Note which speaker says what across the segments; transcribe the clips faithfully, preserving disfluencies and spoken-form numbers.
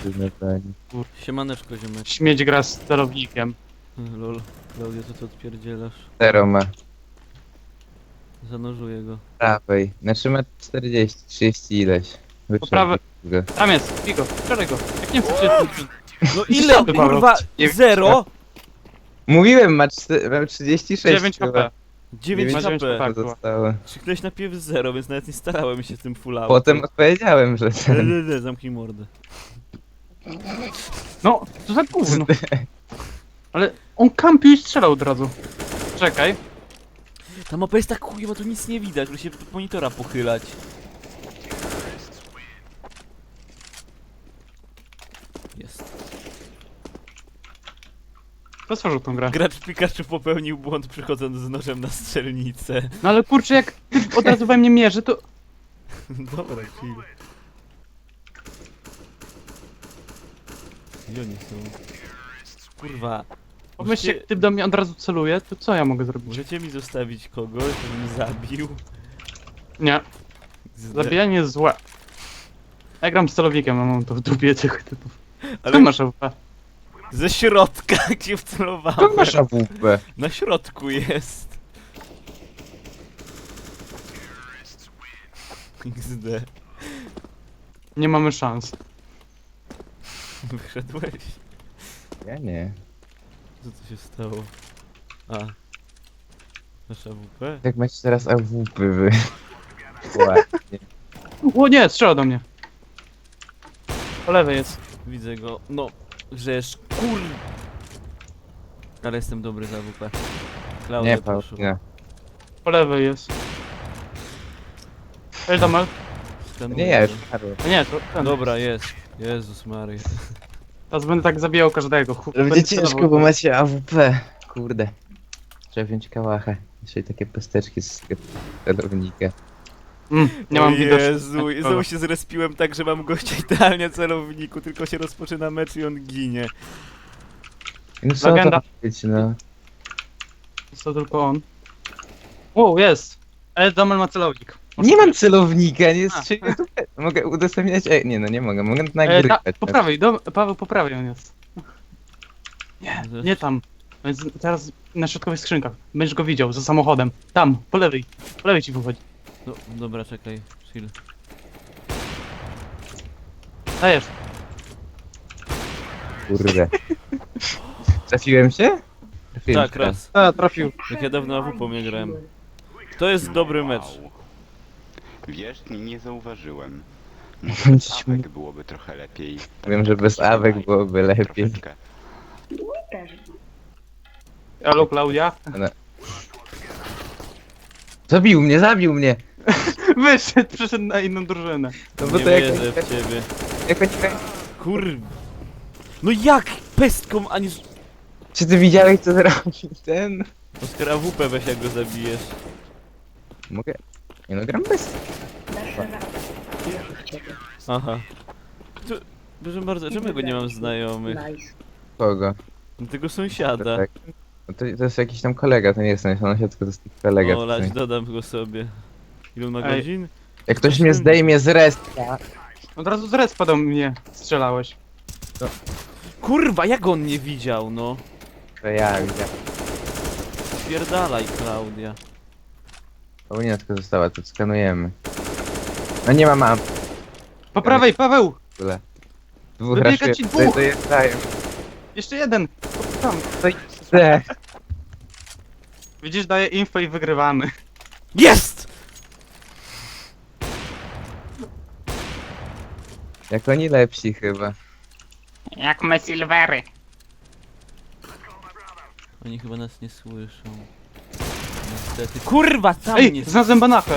Speaker 1: na planie.
Speaker 2: Siemaneczko, ziomek.
Speaker 3: Śmieć gra z celownikiem.
Speaker 2: Lol. Klaudia, co ty odpierdzielasz?
Speaker 1: Zero ma.
Speaker 2: Zanurzuję go.
Speaker 1: Prawej. Znaczy ma czterdzieści, trzydzieści ileś.
Speaker 3: Po prawej.
Speaker 1: Go.
Speaker 3: Tam jest, Figo, strzelaj go. Jak nie chcesz się...
Speaker 2: No ile,
Speaker 3: Ty, Paweł?
Speaker 2: kurwa?
Speaker 3: Nie-
Speaker 2: Zero?
Speaker 1: Mówiłem, ma, czty- ma trzydzieści sześć.
Speaker 3: dziewięć HP.
Speaker 2: dziewięć
Speaker 3: Ma dziewięć
Speaker 2: HP.
Speaker 3: HP.
Speaker 1: To zostało.
Speaker 2: Krzyknąłeś najpierw zero, więc nawet nie starałem się z tym full out.
Speaker 1: Potem odpowiedziałem, że ten...
Speaker 2: Lele, zamknij mordę.
Speaker 3: No, co za gówno. Ale on kampił i strzelał od razu. Czekaj.
Speaker 2: Ta mapa jest tak chujowa, tu nic nie widać, muszę się do monitora pochylać. Jest.
Speaker 3: Kto stworzył tą grę?
Speaker 2: Gracz Pikachu popełnił błąd przychodząc z nożem na strzelnicę.
Speaker 3: No ale kurczę, jak ty od razu we mnie mierzy, to...
Speaker 2: Dobra, chill. Gdzie oni są? Kurwa.
Speaker 3: Pomyślcie,
Speaker 2: Możecie,
Speaker 3: jak ty do mnie od razu celuje, to co ja mogę zrobić?
Speaker 2: możecie mi zostawić kogoś, żebym zabił?
Speaker 3: Nie,
Speaker 2: Zde-
Speaker 3: zabijanie jest złe. Ja gram z celownikiem, a mam to w dupie tych typów.
Speaker 2: Ale
Speaker 3: Ty masz A W P.
Speaker 2: ze środka, gdzie wcelowałem.
Speaker 1: To masz A W P.
Speaker 2: Na środku jest. X D.
Speaker 3: Nie mamy szans.
Speaker 2: Wyszedłeś?
Speaker 1: Ja nie.
Speaker 2: Co to się stało? A. Masz A W P?
Speaker 1: Jak macie teraz A W P wy. Ładnie.
Speaker 3: O nie, strzela do mnie. Po lewej jest.
Speaker 2: Widzę go. No, żeż kur... Ale jestem dobry za A W P. Klaudia,
Speaker 1: Nie,
Speaker 2: proszę.
Speaker 1: Paulina.
Speaker 3: Po lewej jest. Ej, Damal.
Speaker 2: Skanuję
Speaker 1: Nie, ja już
Speaker 2: go.
Speaker 1: umarłem.
Speaker 3: A nie, to ten.
Speaker 2: Dobra, jest. Jezus Maria.
Speaker 3: Teraz będę tak zabijał każdego. Chu-
Speaker 1: Ale
Speaker 3: będę
Speaker 1: będzie ciężko,
Speaker 3: celował.
Speaker 1: bo macie A W P. Kurde. Trzeba wziąć kałacha. Jeszcze i takie pesteczki z celownika.
Speaker 3: Mm, nie mam
Speaker 2: O
Speaker 3: widoczności.
Speaker 2: Jezu, i znowu się zrespiłem tak, że mam gościa idealnie w celowniku, tylko się rozpoczyna mecz i on ginie.
Speaker 1: No co
Speaker 3: Legenda.
Speaker 1: to być, no.
Speaker 3: Jest to tylko on. O, jest! Ale Damal ma celownik.
Speaker 1: Nie mam celownika, nie
Speaker 3: A.
Speaker 1: strzeliłem tu. Mogę udostępniać. E, nie no, nie mogę. Mogę
Speaker 3: E, da,
Speaker 1: nagrywać.
Speaker 3: po prawej, do, Paweł, po prawej on jest. Nie, nie tam. On jest teraz na środkowych skrzynkach. Będziesz go widział, za samochodem. Tam, po lewej. Po lewej ci wychodzi.
Speaker 2: No, dobra, czekaj, chill.
Speaker 3: Dajesz.
Speaker 1: Kurde. Trafiłem się? Trafiłem
Speaker 2: Tak,
Speaker 1: się.
Speaker 2: raz.
Speaker 3: A, trafił.
Speaker 2: Jak ja dawno A W P nie grałem. To jest dobry mecz.
Speaker 4: Wiesz, nie, nie zauważyłem.
Speaker 1: Będzie
Speaker 4: Może
Speaker 1: ci
Speaker 4: awek byłoby trochę lepiej.
Speaker 1: Wiem, że bez awek byłoby lepiej.
Speaker 4: Troszeczkę.
Speaker 3: Halo, Klaudia.
Speaker 1: Zabił mnie, zabił mnie!
Speaker 3: Wyszedł, przyszedł na inną drużynę.
Speaker 1: No bo
Speaker 2: Nie
Speaker 1: to jak,
Speaker 2: wierzę w ciebie.
Speaker 1: jak, jak,
Speaker 2: Kur... No jak? Pestką, ani... z-
Speaker 1: Czy ty widziałeś co zrobił ten?
Speaker 2: Oskar A W P weź jak go zabijesz.
Speaker 1: Mogę? Nie no, gram bez.
Speaker 2: Aha. Tu, proszę bardzo, czemu ja go nie mam znajomych?
Speaker 1: Kogo?
Speaker 2: Tego sąsiada.
Speaker 1: Tak. No to, to jest jakiś tam kolega, to nie jest sąsiad, tylko to jest taki kolega.
Speaker 2: O, lać, dodam go sobie. Ile on ma
Speaker 3: Ej.
Speaker 2: godzin?
Speaker 1: Jak ktoś mnie zdejmie z resta.
Speaker 3: Od razu z respa do mnie strzelałeś.
Speaker 2: Kurwa, jak on nie widział, no?
Speaker 1: To ja widzę.
Speaker 2: Spierdalaj, Klaudia.
Speaker 1: Paulina tylko została, to skanujemy. No nie ma mam
Speaker 3: Po prawej, Paweł!
Speaker 1: w ogóle. Dwóch
Speaker 3: Wybiega
Speaker 1: raszuje.
Speaker 3: ci
Speaker 1: To,
Speaker 3: dwóch.
Speaker 1: to jest daję.
Speaker 3: Jeszcze jeden. Tam.
Speaker 1: To idę.
Speaker 3: Widzisz, daję info i wygrywamy.
Speaker 2: Jest!
Speaker 1: Jak oni lepsi chyba.
Speaker 3: Jak me silvery.
Speaker 2: Oni chyba nas nie słyszą. Niestety. Kurwa, tam
Speaker 3: Ej,
Speaker 2: nie...
Speaker 3: znalazłem banachę.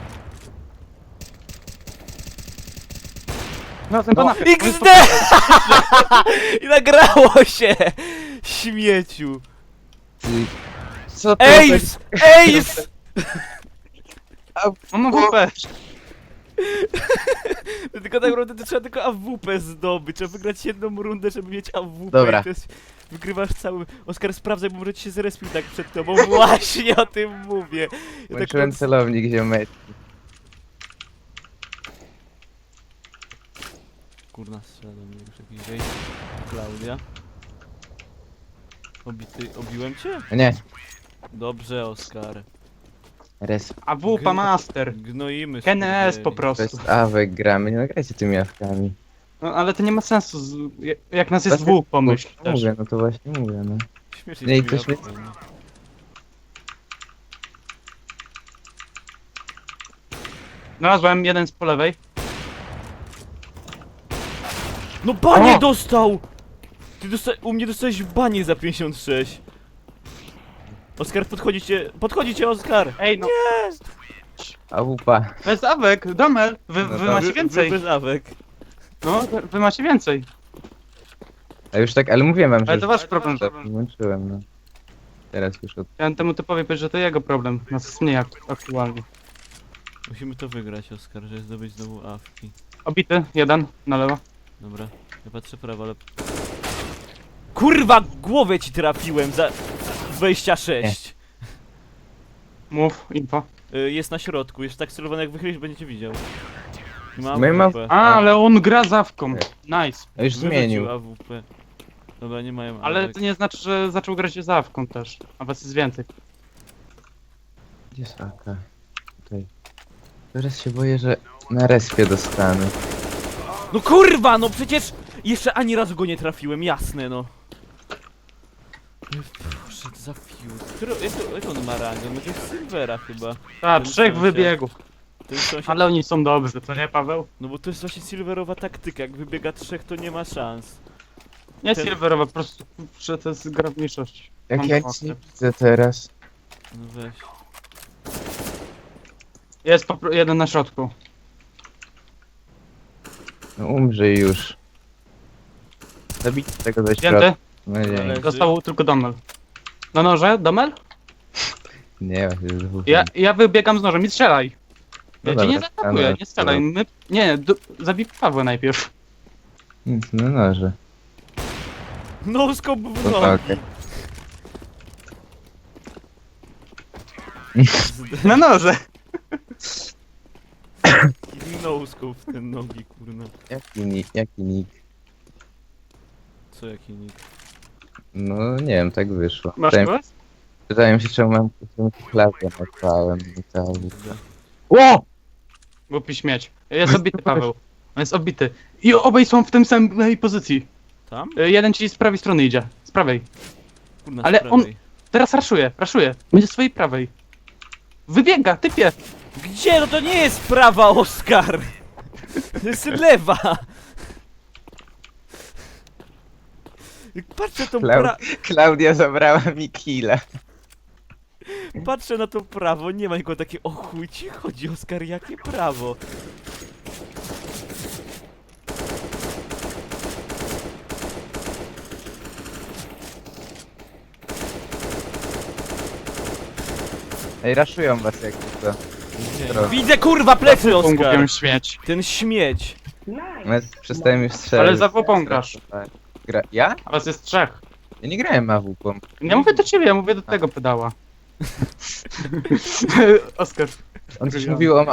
Speaker 3: Znalazłem
Speaker 2: No,
Speaker 3: banachę.
Speaker 2: X D! I nagrało się! Śmieciu.
Speaker 1: Ty... Co to
Speaker 2: Ace! Ace!
Speaker 3: Mam A W P.
Speaker 2: Tylko tak naprawdę to trzeba tylko A W P zdobyć. Trzeba wygrać jedną rundę, żeby mieć A W P.
Speaker 1: Dobra.
Speaker 2: I to jest... Wygrywasz cały... Oskar, sprawdzaj, bo może ci się zrespił tak przed tobą. Właśnie o tym mówię. Ja tak
Speaker 1: Włączyłem
Speaker 2: pod-
Speaker 1: celownik ziomeczki.
Speaker 2: kurna, strzela do mnie już jakiś wejść. Klaudia. Obity, obiłem cię?
Speaker 1: Nie,
Speaker 2: Dobrze, Oskar.
Speaker 1: res.
Speaker 3: A wupa master.
Speaker 2: Gnoimy
Speaker 3: N S po
Speaker 2: skurwieli.
Speaker 3: prostu.
Speaker 1: Bez awek gramy, nie nagrajcie tymi awkami.
Speaker 3: No ale to nie ma sensu, z... jak nas jest
Speaker 1: Bez-
Speaker 3: dwóch, pomyśl
Speaker 1: No
Speaker 3: też.
Speaker 1: mówię, no to właśnie mówię, no.
Speaker 2: Śmiesznie
Speaker 1: Nie, i
Speaker 2: z
Speaker 1: to
Speaker 2: tymi
Speaker 1: śmie-
Speaker 2: łapkami.
Speaker 3: Znalazłem jeden z po lewej.
Speaker 2: No banie
Speaker 3: O!
Speaker 2: dostał! Ty dosta u mnie dostałeś banie za pięćdziesiąt sześć. Oskar, podchodzicie, podchodzicie, Oskar!
Speaker 3: Ej no,
Speaker 1: A wupa.
Speaker 3: bez awek, Domel, wy,
Speaker 1: No
Speaker 3: wy
Speaker 1: to-
Speaker 3: macie
Speaker 2: Wy-
Speaker 3: więcej.
Speaker 2: Wy bez awek.
Speaker 3: No, wy, wy macie więcej.
Speaker 1: A już tak, ale mówiłem wam, że
Speaker 3: Ale
Speaker 1: już
Speaker 3: to wasz problem.
Speaker 1: to włączyłem, no. Teraz już od...
Speaker 3: Chciałem temu typowi powiedzieć, że to jego problem. Nas jest mniej ak- aktualnie.
Speaker 2: Musimy to wygrać, Oskar, żeby zdobyć znowu awki.
Speaker 3: Obity, jeden, na lewo.
Speaker 2: Dobra, ja patrzę prawo, ale... Kurwa, głowę ci trafiłem za dwadzieścia sześć.
Speaker 3: Mów, info.
Speaker 2: Y, jest na środku, jest tak celowany, jak wychylisz, będziecie widział. Ma
Speaker 1: My ma-
Speaker 2: A W P.
Speaker 3: A, ale on gra z awką. Nice.
Speaker 1: A już
Speaker 2: Wyrzucił
Speaker 1: zmienił.
Speaker 2: A W P. Dobra, nie mają
Speaker 3: Ale
Speaker 2: awek.
Speaker 3: to nie znaczy, że zaczął grać z awką też. A was jest więcej.
Speaker 1: Gdzie jest aka? Tutaj. Teraz się boję, że na respie dostanę.
Speaker 2: No kurwa, no przecież jeszcze ani razu go nie trafiłem, jasne no. Proszę, za fiut. Który, jak, to- jak on ma rangę? No to jest Silvera chyba.
Speaker 3: A,
Speaker 2: Ten
Speaker 3: trzech
Speaker 2: sąsiad.
Speaker 3: wybiegów.
Speaker 2: To jest sąsiad.
Speaker 3: Ale oni są dobrzy, co nie, Paweł?
Speaker 2: No bo to jest właśnie Silverowa taktyka, jak wybiega trzech to nie ma szans.
Speaker 3: Nie
Speaker 2: Ten-
Speaker 3: silverowa, po prostu, że to jest gra w mniejszości.
Speaker 1: Jak
Speaker 3: Mam
Speaker 1: ja
Speaker 3: ochotę.
Speaker 1: nic nie widzę teraz.
Speaker 2: No weź.
Speaker 3: Jest po, pro- jeden na środku.
Speaker 1: No umrzyj już. Zabijcie tego ze
Speaker 3: Zdjęty?
Speaker 1: środka. No nie,
Speaker 2: Ale-
Speaker 3: Został tylko Domel. Na noże, Domel?
Speaker 1: nie, właśnie dwóch.
Speaker 3: Ja, ja wybiegam z nożem i strzelaj.
Speaker 1: No
Speaker 3: Ja ci nie
Speaker 1: dobra,
Speaker 3: zaatakuję,
Speaker 1: ale-
Speaker 3: nie strzelaj. My, nie, do, zabij Pawła najpierw.
Speaker 1: Nic, no noże.
Speaker 2: No skop w
Speaker 1: To
Speaker 2: nogi.
Speaker 1: walkę.
Speaker 3: Na noże!
Speaker 2: No scope w te nogi, kurna.
Speaker 1: Jaki nick, jaki nick?
Speaker 2: Co jaki nick?
Speaker 1: No nie wiem, tak wyszło.
Speaker 3: Masz
Speaker 1: Pytałem,
Speaker 3: głos?
Speaker 1: pytałem się, czemu mam czemu tu klawię nagrałem i cały.
Speaker 3: O! Głupi śmieć. Jest obity Paweł. On jest obity. I obaj są w tym samej pozycji.
Speaker 2: Tam?
Speaker 3: Y, Jeden ci z prawej strony idzie. Z prawej.
Speaker 2: Kurna,
Speaker 3: Ale
Speaker 2: z prawej.
Speaker 3: Teraz raszuje, raszuje. Będzie z swojej prawej. Wybiega, typie!
Speaker 2: Gdzie? No to nie jest prawa, Oskar! To jest lewa! Jak patrzę tą
Speaker 1: Klau-
Speaker 2: pra...
Speaker 1: Klaudia zabrała mi killa.
Speaker 2: Patrzę na to prawo, nie ma nikogo takie o chuj ci chodzi, Oskar, jakie prawo?
Speaker 1: Ej, raszują was jak to. Zdrowo.
Speaker 2: Widzę kurwa plecy, Oskar!
Speaker 3: Głupią śmieć.
Speaker 2: Ten śmieć!
Speaker 1: No, przestałem już strzelać.
Speaker 3: Ale za wupą grasz.
Speaker 1: Gra... Ja?
Speaker 3: A was jest trzech.
Speaker 1: Ja nie grałem A W P.
Speaker 3: Nie mówię do ciebie, ja mówię do tego pedała. Oskar.
Speaker 1: On coś mówił o ma...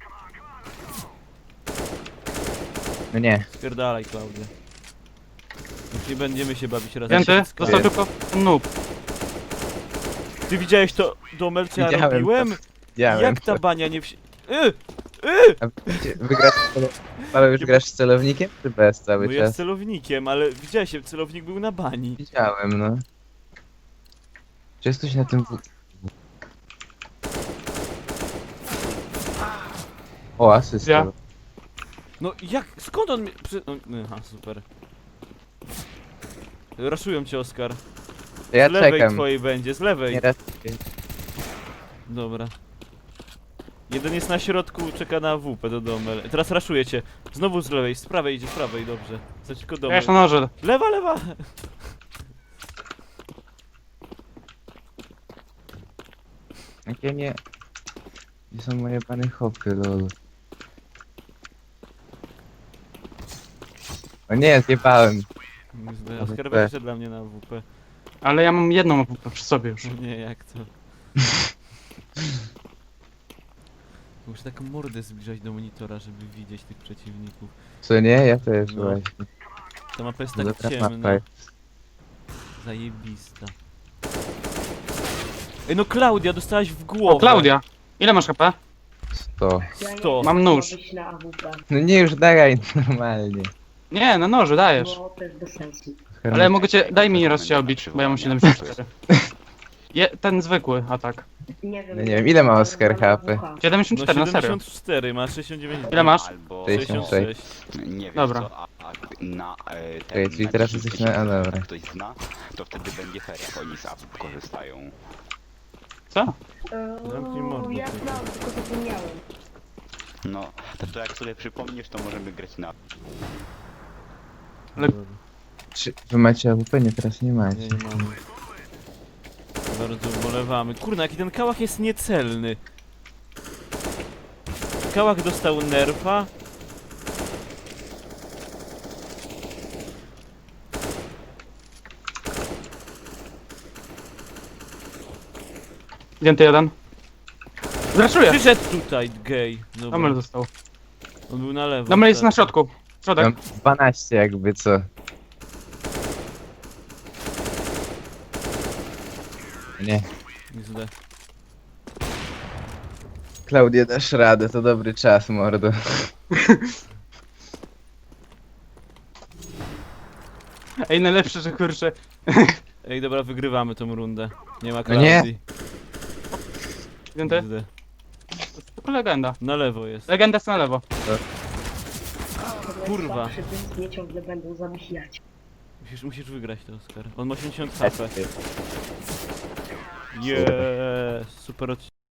Speaker 1: No nie.
Speaker 2: Spierdalaj, Klaudia. Już nie będziemy się bawić razem.
Speaker 3: Pięty,
Speaker 2: się
Speaker 3: dostał
Speaker 1: Wiem.
Speaker 3: tylko noob.
Speaker 2: Ty widziałeś to Domel, co ja
Speaker 1: Widziałem to.
Speaker 2: robiłem?
Speaker 1: Widziałem.
Speaker 2: Jak ta bania nie wsi... Y! Y!
Speaker 1: A wiecie, wygrasz z celo... Paweł, już grasz z celownikiem czy bez cały
Speaker 2: No ja z
Speaker 1: czas?
Speaker 2: celownikiem, ale widziałeś, celownik był na bani.
Speaker 1: Widziałem, no. Czy jest coś na tym... w- O, asysta.
Speaker 3: Ja.
Speaker 2: No jak, skąd on mnie... Przy... No, aha, super. Raszują cię, Oskar.
Speaker 1: To ja
Speaker 2: z lewej
Speaker 1: czekam.
Speaker 2: twojej będzie, z lewej.
Speaker 1: Nie raz...
Speaker 2: Dobra. Jeden jest na środku, czeka na W P do Domel. Teraz raszuje cię. Znowu z lewej, z prawej idzie, z prawej, dobrze. Za tylko
Speaker 3: Ja
Speaker 2: Domel.
Speaker 3: jeszcze na noże.
Speaker 2: Lewa, lewa!
Speaker 1: Jakie nie... Gdzie są moje bany hopy, lol. O nie, zjebałem.
Speaker 2: Oskar
Speaker 1: W P.
Speaker 2: weź dla mnie na W P.
Speaker 3: Ale ja mam jedną A W P przy sobie już.
Speaker 2: Nie, jak to? Muszę taką mordę zbliżać do monitora, żeby widzieć tych przeciwników.
Speaker 1: Co nie? Ja też
Speaker 2: No.
Speaker 1: właśnie.
Speaker 2: Ta mapa jest
Speaker 1: Dobra
Speaker 2: tak
Speaker 1: mapa
Speaker 2: ciemna.
Speaker 1: jest.
Speaker 2: Zajebista. Ej no Klaudia, dostałaś w głowę.
Speaker 3: O, Klaudia! Ile masz H P?
Speaker 1: sto.
Speaker 2: Sto.
Speaker 3: Mam nóż.
Speaker 5: Na A W P.
Speaker 1: No nie, już daj normalnie.
Speaker 3: Nie, na noży dajesz.
Speaker 5: No, to jest bez sensu.
Speaker 3: Ale mogę cię, daj mi raz się obić, bo ja mam siedemdziesiąt cztery. Je, ten zwykły atak.
Speaker 5: Nie wiem.
Speaker 1: No nie wiem, ile ma Oskar H P?
Speaker 3: siedemdziesiąt cztery,
Speaker 2: No
Speaker 3: na serio.
Speaker 2: siedemdziesiąt cztery, ma sześćdziesiąt dziewięć.
Speaker 3: Ile masz?
Speaker 4: Albo
Speaker 1: sześćdziesiąt sześć.
Speaker 4: nie wiem
Speaker 3: Dobra.
Speaker 4: co, a, a na e, ten,
Speaker 1: Czekaj, czyli
Speaker 4: na
Speaker 1: teraz
Speaker 4: dziesięć
Speaker 1: jesteśmy- a,
Speaker 4: tysięcy,
Speaker 1: dobra.
Speaker 4: jak ktoś zna, to wtedy będzie fair, jak oni z A W korzystają.
Speaker 3: Co?
Speaker 2: Zamknij mordę,
Speaker 5: Ja
Speaker 2: ty.
Speaker 5: znam, tylko zapomniałem.
Speaker 4: No, to, to jak sobie przypomnisz, to możemy grać na...
Speaker 3: Ale-
Speaker 1: Czy wy macie A W P? Nie, teraz nie macie.
Speaker 2: Nie, nie mamy. Bardzo ubolewamy. Kurna, jaki ten kałach jest niecelny. Kałach dostał nerfa.
Speaker 3: Zdjęty jeden. Zraszuję!
Speaker 2: Przyszedł tutaj, gej. Dobra.
Speaker 3: Domer został.
Speaker 2: On był na lewo.
Speaker 3: Domer jest na
Speaker 2: tak.
Speaker 3: środku. Środek.
Speaker 1: Mam dwanaście jakby co. Nie.
Speaker 2: Źle.
Speaker 1: Klaudia, dasz radę, to dobry czas, mordo.
Speaker 3: Ej, najlepsze, że kurczę.
Speaker 2: Ej, dobra, wygrywamy tą rundę. Nie ma
Speaker 1: No nie.
Speaker 2: Klaudii.
Speaker 3: Zdjęty?
Speaker 2: Źle.
Speaker 3: To legenda.
Speaker 2: Na lewo jest.
Speaker 3: Legenda jest na lewo.
Speaker 2: Kurwa.
Speaker 5: Przy tym mnie ciągle będą zabijać.
Speaker 2: Musisz, musisz wygrać to, Oskar. On ma osiemdziesiąt H P. Jeee, super odcinek.